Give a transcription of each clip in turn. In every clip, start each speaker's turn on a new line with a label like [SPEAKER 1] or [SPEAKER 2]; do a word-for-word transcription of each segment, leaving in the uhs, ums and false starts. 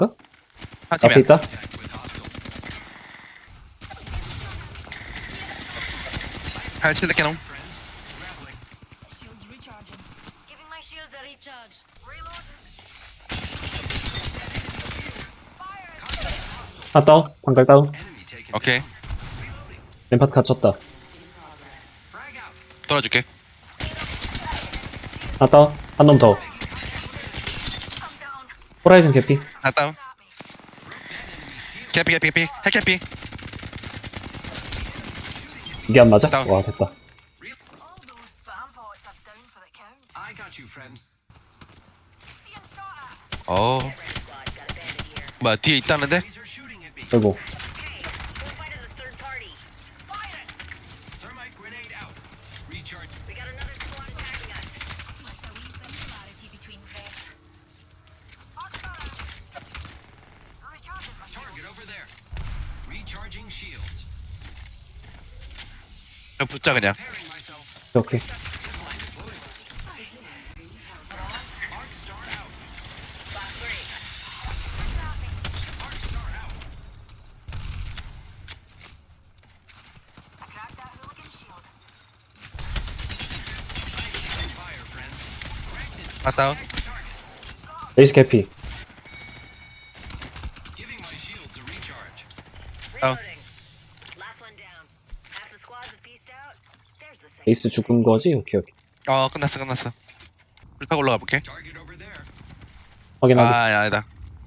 [SPEAKER 1] 앞에
[SPEAKER 2] 팀이야.
[SPEAKER 1] 있다.
[SPEAKER 2] 할 실드 캐논.
[SPEAKER 3] Shields recharging. Giving my shields a recharge. Reloading.
[SPEAKER 1] 하나 다운. 방갈 다운.
[SPEAKER 2] 오케이.
[SPEAKER 1] 램파트 갇혔다.
[SPEAKER 2] 돌아줄게.
[SPEAKER 1] 하나 다운. 한 놈 더. 호라이즌 개피.
[SPEAKER 2] 하나 다운. 캐피 캐피 캐피. 핵 캐피.
[SPEAKER 1] 이게 안 맞아?
[SPEAKER 2] 다운.
[SPEAKER 1] 와, 됐다.
[SPEAKER 3] All those bomb pots are down for the count.
[SPEAKER 4] I got you, friend.
[SPEAKER 3] Being shot at.
[SPEAKER 2] 어. 뭐야 뒤에 있다는데?
[SPEAKER 4] These are shooting at me.
[SPEAKER 1] 아이고.
[SPEAKER 4] Thermite grenade out. Recharge.
[SPEAKER 3] Like a wee similarity between them. Recharging my shield.
[SPEAKER 4] Target over there. Recharging shields.
[SPEAKER 2] 그냥 붙자 그냥.
[SPEAKER 4] Pairing myself.
[SPEAKER 1] 오케이.
[SPEAKER 4] Arc star out. Arc star out.
[SPEAKER 3] I cracked that hooligan shield.
[SPEAKER 4] Fire, friends.
[SPEAKER 2] 하나 다운.
[SPEAKER 1] 레이스 개피.
[SPEAKER 4] Giving my shields a recharge.
[SPEAKER 2] 다운.
[SPEAKER 5] Last one down. Half the squads have pieced out. There's the safe.
[SPEAKER 1] 레이스 죽은 거지? 오케이, 오케이.
[SPEAKER 2] 어 끝났어 끝났어. 불타고 올라가 볼게.
[SPEAKER 4] Target over there.
[SPEAKER 1] 확인하고.
[SPEAKER 2] 아 아니다.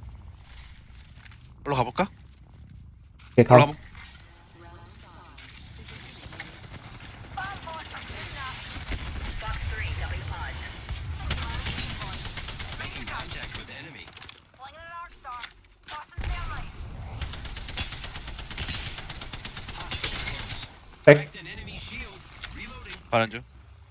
[SPEAKER 2] 올라가 볼까?
[SPEAKER 1] 오케이, 가.
[SPEAKER 2] 올라가 볼.
[SPEAKER 5] Fox three, W pod.
[SPEAKER 4] Making contact with enemy.
[SPEAKER 3] Flinging an arc star. Tossing thermite.
[SPEAKER 1] 백.
[SPEAKER 4] Cracked an enemy shield. Reloading.
[SPEAKER 2] 가는 중.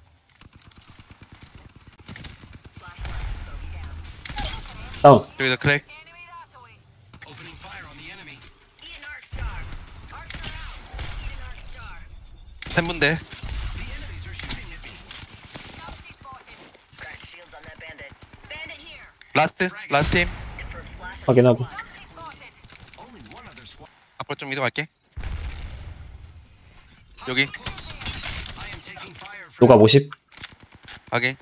[SPEAKER 1] 다운.
[SPEAKER 2] 여기서 크랙.
[SPEAKER 3] Enemy that away.
[SPEAKER 4] Opening fire on the enemy.
[SPEAKER 5] Eat an arc star. Arc star out. Eat an arc star.
[SPEAKER 2] 세 분대.
[SPEAKER 4] The enemies are shooting at me.
[SPEAKER 3] Nazi spotted.
[SPEAKER 5] Cracked shields on that bandit. Bandit here.
[SPEAKER 2] 라스트 라스트 팀.
[SPEAKER 5] Confirmed flash.
[SPEAKER 1] 확인하고.
[SPEAKER 3] Nazi spotted.
[SPEAKER 4] Only one other squad.
[SPEAKER 2] 앞으로 좀 이동할게. 여기
[SPEAKER 4] I am taking fire from.
[SPEAKER 1] 노가 오십.
[SPEAKER 2] 확인.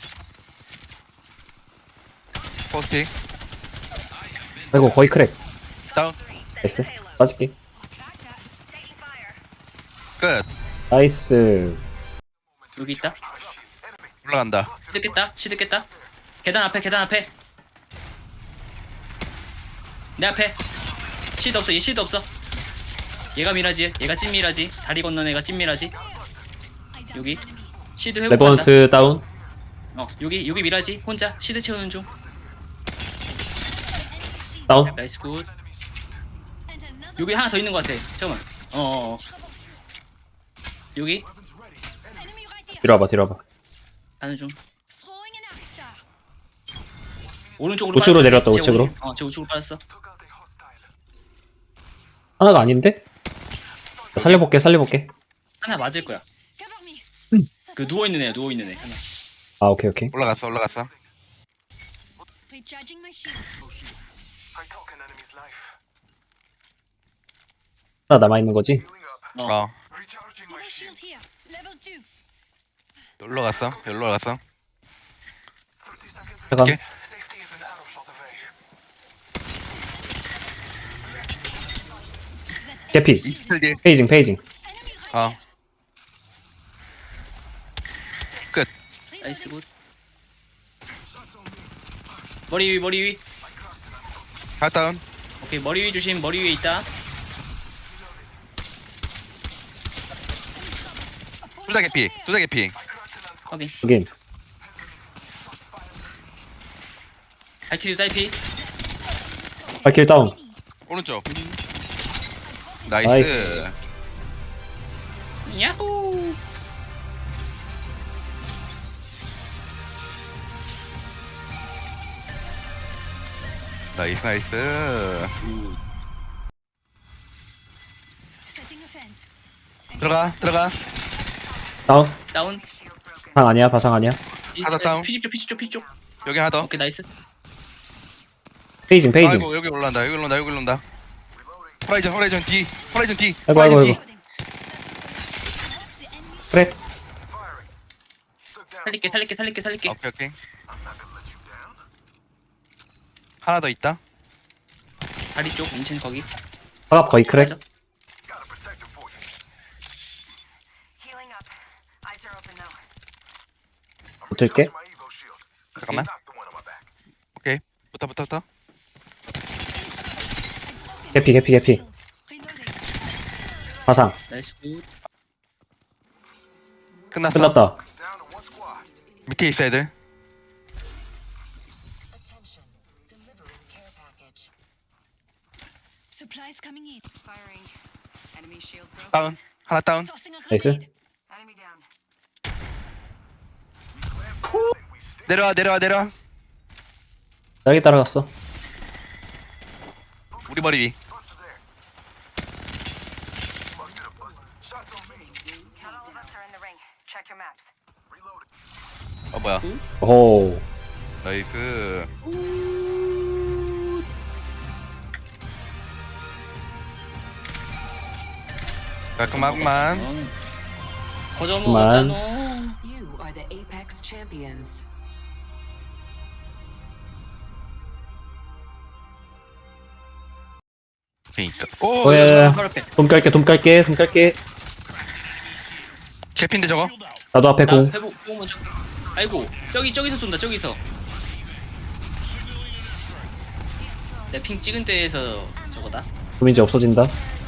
[SPEAKER 2] 포스팅
[SPEAKER 1] 아이고, 거의 크랙.
[SPEAKER 2] 다운.
[SPEAKER 1] 나이스. 빠질게.
[SPEAKER 3] Cracked that.
[SPEAKER 5] Taking fire.
[SPEAKER 2] 끝.
[SPEAKER 1] 나이스.
[SPEAKER 6] 여기 있다.
[SPEAKER 2] 올라간다.
[SPEAKER 6] 시드 깼다. 시드 깼다. 계단 앞에, 계단 앞에. 내 앞에. 시드 없어. 얘 시드 없어. 얘가 미라지. 얘가 찐미라지. 다리 건넌 애가 찐미라지. 여기. 시드 회복한다.
[SPEAKER 1] 레버넌트 다운.
[SPEAKER 6] 어, 여기 여기 미라지. 혼자 시드 채우는 중.
[SPEAKER 1] 다운.
[SPEAKER 6] 나이스 굿. 여기 하나 더 있는 것 같아. 잠깐만. 어, 어, 어. 여기
[SPEAKER 3] Enemy right there.
[SPEAKER 1] 뒤로 와봐, 뒤로 와봐.
[SPEAKER 6] 가는 중.
[SPEAKER 3] Throwing an arc star.
[SPEAKER 6] 오른쪽으로
[SPEAKER 1] 우측으로
[SPEAKER 6] 빠졌어.
[SPEAKER 1] 내려왔다,
[SPEAKER 6] 제
[SPEAKER 1] 우측으로.
[SPEAKER 6] 오른쪽. 어, 제 우측으로 빠졌어.
[SPEAKER 1] 하나가 아닌데? 살려볼게, 살려볼게.
[SPEAKER 6] 하나 맞을 거야.
[SPEAKER 3] Cover me.
[SPEAKER 6] 그 누워 있는 애, 누워 있는 애 하나.
[SPEAKER 1] 아, 오케이, 오케이.
[SPEAKER 2] 올라갔어 올라갔어.
[SPEAKER 3] Recharging my shields.
[SPEAKER 1] 하나 남아있는 거지?
[SPEAKER 6] 어.
[SPEAKER 2] 어
[SPEAKER 3] Give a shield here. Level two.
[SPEAKER 2] 올라갔어. 올라갔어.
[SPEAKER 1] 잠깐.
[SPEAKER 2] 오케이.
[SPEAKER 1] 개피.
[SPEAKER 2] 이틀 뒤에.
[SPEAKER 1] 페이징, 페이징.
[SPEAKER 3] Enemy right
[SPEAKER 2] 어. 끝.
[SPEAKER 6] 나이스 굿. 머리 위, 머리 위.
[SPEAKER 2] 하나 다운.
[SPEAKER 6] 오케이, 머리 위 조심. 머리 위에 있다.
[SPEAKER 2] 투자 개피. 투자 개피.
[SPEAKER 6] 확인.
[SPEAKER 1] 여긴.
[SPEAKER 6] 발키리 딸피.
[SPEAKER 1] 발킬 다운.
[SPEAKER 2] 오른쪽. 나이스.
[SPEAKER 1] 나이스.
[SPEAKER 6] 야호.
[SPEAKER 2] 나이스 나이스.
[SPEAKER 3] setting a fence.
[SPEAKER 2] 들어가 들어가.
[SPEAKER 1] 다운.
[SPEAKER 6] 다운.
[SPEAKER 1] 바상 아니야, 바상 아니야.
[SPEAKER 2] 하나 다운.
[SPEAKER 6] 피십 쪽, 피십 쪽, 피십 쪽.
[SPEAKER 2] 여기 하나 더.
[SPEAKER 6] 오케이, 나이스.
[SPEAKER 1] 페이징 페이징.
[SPEAKER 2] 아이고 여기 올라온다 여기 올라온다 여기 올라온다. 호라이즌 호라이즌 뒤 호라이즌 뒤
[SPEAKER 1] 아이고
[SPEAKER 2] 호라이즌
[SPEAKER 1] 아이고
[SPEAKER 2] 뒤.
[SPEAKER 1] 아이고. 그래.
[SPEAKER 6] 살릴게 살릴게 살릴게 살릴게.
[SPEAKER 2] 오케이 오케이. 하나 더 있다.
[SPEAKER 6] 다리 쪽 인첸 거기.
[SPEAKER 1] 화갑 거의 크랙.
[SPEAKER 6] 맞아.
[SPEAKER 5] Healing up. Eyes are open though.
[SPEAKER 1] 붙을게.
[SPEAKER 2] 잠깐만. 오케이 붙어 붙어 붙어.
[SPEAKER 1] 개피 개피 개피. 화상.
[SPEAKER 6] 나이스 굿.
[SPEAKER 2] 끝났어.
[SPEAKER 1] 끝났다.
[SPEAKER 2] 밑에 있어 애들.
[SPEAKER 5] Attention. Delivering care package.
[SPEAKER 3] Supplies coming in.
[SPEAKER 5] Firing. Enemy shield broken.
[SPEAKER 2] 다운 하나 다운.
[SPEAKER 3] Tossing a
[SPEAKER 1] 나이스.
[SPEAKER 3] grenade.
[SPEAKER 5] Enemy down.
[SPEAKER 2] 내려와 내려와 내려와.
[SPEAKER 1] 딸기 따라갔어.
[SPEAKER 2] 우리 머리 위.
[SPEAKER 5] Count all of us are in the ring. Check your maps.
[SPEAKER 2] 어 뭐야.
[SPEAKER 1] 오.
[SPEAKER 2] 나이스. 깔끔하구만.
[SPEAKER 6] 거저
[SPEAKER 1] 그만.
[SPEAKER 6] 먹었잖아.
[SPEAKER 7] You are the Apex champions.
[SPEAKER 2] 그니까. 오.
[SPEAKER 1] 오예.
[SPEAKER 6] 바로 앞에.
[SPEAKER 1] 돔 깔게 돔 깔게 돔 깔게.
[SPEAKER 2] 개핀데 저거.
[SPEAKER 1] 나도 앞에
[SPEAKER 6] 나
[SPEAKER 1] 공.
[SPEAKER 6] 회복 회복 먼저. 아이고 저기 저기서 쏜다 저기서. 내 핑 찍은 데에서 저거다.
[SPEAKER 1] 돔 이제 없어진다.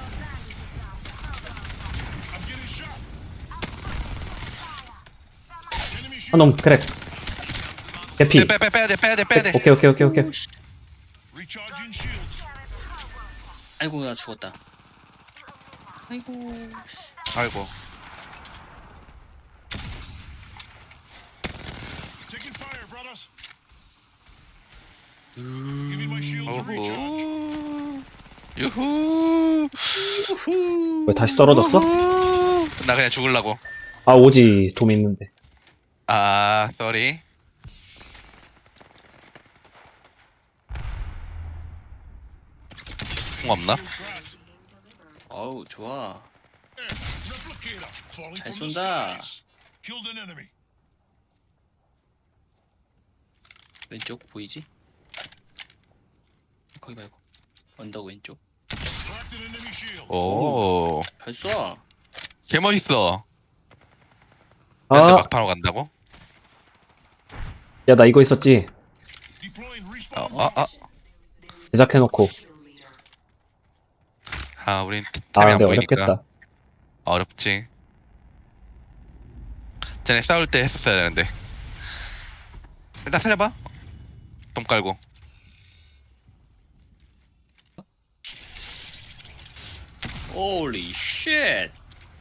[SPEAKER 1] 한놈 크랙. 개피.
[SPEAKER 2] 빼 빼 빼야 돼 빼야 돼 빼야 돼.
[SPEAKER 1] 오케이 오케이 오케이 오케이.
[SPEAKER 6] 아이고 나 죽었다. 아이고.
[SPEAKER 2] 아이고. 어후. 유후.
[SPEAKER 1] 왜 다시 떨어졌어?
[SPEAKER 2] 우후. 나 그냥 죽을라고.
[SPEAKER 1] 아 오지 돔 있는데.
[SPEAKER 2] 아, 쏘리. 공 없나?
[SPEAKER 6] 어우 좋아. 잘 쏜다. 왼쪽 보이지? 거기 말고 언덕 왼쪽.
[SPEAKER 2] 오.
[SPEAKER 6] 잘 쏴.
[SPEAKER 2] 개 멋있어. 근데
[SPEAKER 1] 아,
[SPEAKER 2] 막판으로 간다고?
[SPEAKER 1] 야 나 이거 있었지.
[SPEAKER 2] 어, 아, 아.
[SPEAKER 1] 제작해놓고.
[SPEAKER 2] 아, 우린
[SPEAKER 1] 아
[SPEAKER 2] 템이 안
[SPEAKER 1] 근데
[SPEAKER 2] 보이니까.
[SPEAKER 1] 어렵겠다.
[SPEAKER 2] 어렵지. 쟤네 싸울 때 했었어야 되는데. 일단 살려봐. 돈 깔고.
[SPEAKER 6] 홀리 쉣.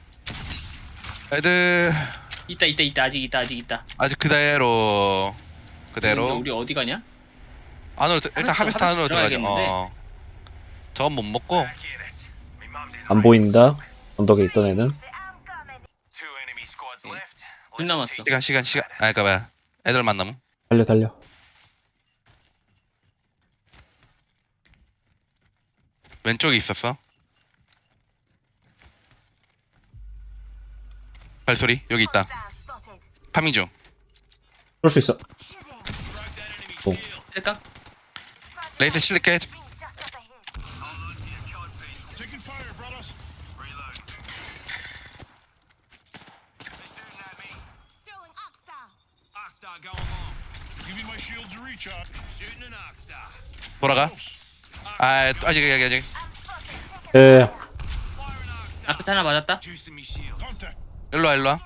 [SPEAKER 2] 애들
[SPEAKER 6] 있다 있다 있다 아직 있다 아직 있다.
[SPEAKER 2] 아직 그대로
[SPEAKER 6] 근데
[SPEAKER 2] 그대로
[SPEAKER 6] 우리 어디 가냐?
[SPEAKER 2] 안으로 들- 일단
[SPEAKER 6] 하베스트,
[SPEAKER 2] 하베스트 안으로
[SPEAKER 6] 하베스트
[SPEAKER 2] 들어가자.
[SPEAKER 6] 들어가야겠는데.
[SPEAKER 2] 어. 저건 못 먹고
[SPEAKER 1] 안 보인다. 언덕에 있던 애는.
[SPEAKER 6] 군 남았어.
[SPEAKER 2] 시간 시간 시간. 아, 그니까 뭐야. 애들 만나면
[SPEAKER 1] 달려 달려.
[SPEAKER 2] 왼쪽에 있었어. 발소리 여기 있다. 파밍 중.
[SPEAKER 1] 그럴 수 있어.
[SPEAKER 6] 셀까?
[SPEAKER 2] 레이스 실리켓. 돌아가. 아, 또 아직 아직 아직.
[SPEAKER 1] 예.
[SPEAKER 6] 앞에서 하나 맞았다.
[SPEAKER 2] 일로 와 일로 와.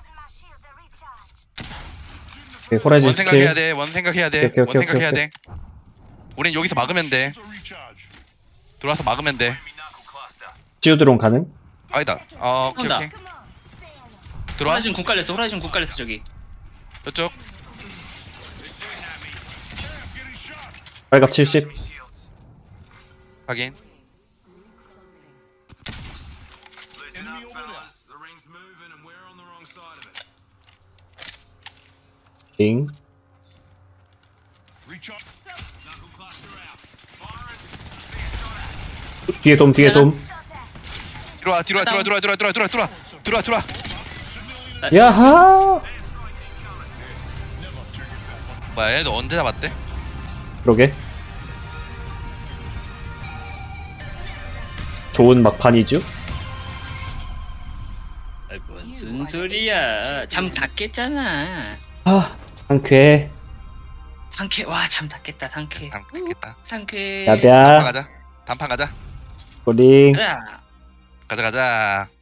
[SPEAKER 1] 오케이, 호라이즌
[SPEAKER 2] 원 생각해야
[SPEAKER 1] 스킬.
[SPEAKER 2] 돼. 원 생각해야 돼.
[SPEAKER 1] 오케이, 오케이,
[SPEAKER 2] 원
[SPEAKER 1] 오케이,
[SPEAKER 2] 생각해야
[SPEAKER 1] 오케이.
[SPEAKER 2] 돼. 우린 여기서 막으면 돼. 들어와서 막으면 돼.
[SPEAKER 1] 치유드론 가능?
[SPEAKER 2] 아니다. 어, 오케이
[SPEAKER 6] 온다.
[SPEAKER 2] 오케이. 들어와.
[SPEAKER 6] 호라이즌 군 깔렸어. 호라이즌 군 깔렸어 저기.
[SPEAKER 2] 저쪽.
[SPEAKER 1] 빨갑 칠십.
[SPEAKER 2] 확인.
[SPEAKER 1] 띵. 뒤에 돔 뒤에 돔.
[SPEAKER 2] 들어와 들어와 들어와 들어와 들어와 들어와 들어와 들어와 들어와.
[SPEAKER 1] 야하.
[SPEAKER 2] 뭐야 얘도 언제 잡았대?
[SPEAKER 1] 그러게. 좋은 막판이죠?
[SPEAKER 6] 아이, 무슨 소리야? 잠 다 깼잖아.
[SPEAKER 1] 아, 상쾌해.
[SPEAKER 6] 상쾌. 와, 잠 다 깼다. 상쾌.
[SPEAKER 2] 다 깼다.
[SPEAKER 6] 상쾌.
[SPEAKER 2] 단판
[SPEAKER 1] 야비야.
[SPEAKER 2] 가자. 단판 가자.
[SPEAKER 1] 꼬링.
[SPEAKER 6] 가자.
[SPEAKER 2] 가자 가자.